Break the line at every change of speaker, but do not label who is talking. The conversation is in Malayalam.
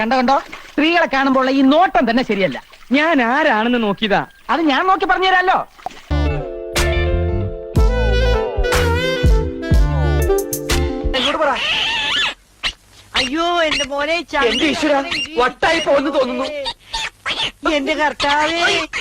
കണ്ടോ സ്ത്രീകളെ കാണുമ്പോൾ ഈ നോട്ടം തന്നെ ശരിയല്ല.
ഞാൻ ആരാണെന്ന് നോക്കിയതാ.
അത് ഞാൻ നോക്കി പറഞ്ഞുതരാലോ.
അയ്യോ എന്റെ മോനെ
എന്റെ ഈശ്വര, വട്ടായി പോന്ന് തോന്നുന്നു.
എന്റെ കർത്താവേ